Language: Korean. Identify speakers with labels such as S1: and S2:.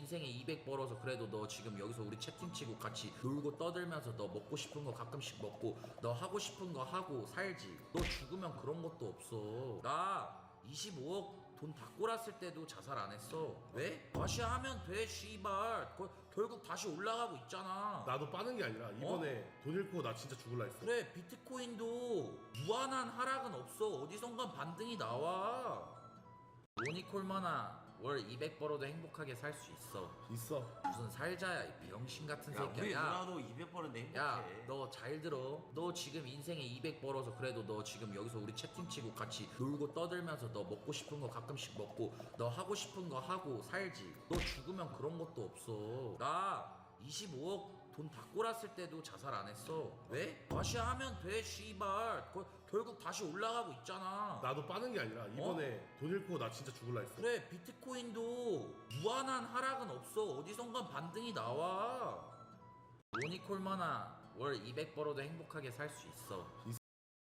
S1: 인생에 200 벌어서 그래도 너 지금 여기서 우리 채팅치고 같이 놀고 떠들면서 너 먹고 싶은 거 가끔씩 먹고 너 하고 싶은 거 하고 살지. 너 죽으면 그런 것도 없어. 나 25억 돈 다 꼬랐을 때도 자살 안 했어. 왜? 다시 하면 돼 씨발. 결국 다시 올라가고 있잖아.
S2: 나도 빠는 게 아니라 이번에 돈 잃고 나 진짜 죽을라 했어.
S1: 그래, 비트코인도 무한한 하락은 없어. 어디선간 반등이 나와. 로니콜만아, 월 200 벌어도 행복하게 살 수 있어.
S2: 있어.
S1: 무슨 살자야, 이 병신 같은
S3: 야,
S1: 새끼야.
S3: 우리 누나도 200 버는데 행복해.
S1: 야, 너 잘 들어. 너 지금 인생에 200 벌어서 그래도 너 지금 여기서 우리 채팅치고 같이 놀고 떠들면서 너 먹고 싶은 거 가끔씩 먹고 너 하고 싶은 거 하고 살지. 너 죽으면 그런 것도 없어. 나 25억 돈 다 꼬랐을 때도 자살 안 했어. 왜? 다시 하면 돼 씨발. 결국 다시 올라가고 있잖아.
S2: 나도 빠는 게 아니라 이번에 돈 잃고 나 진짜 죽을라 했어.
S1: 그래, 비트코인도 무한한 하락은 없어. 어디선간 반등이 나와. 로니콜만아, 월 200 벌어도 행복하게 살 수 있어.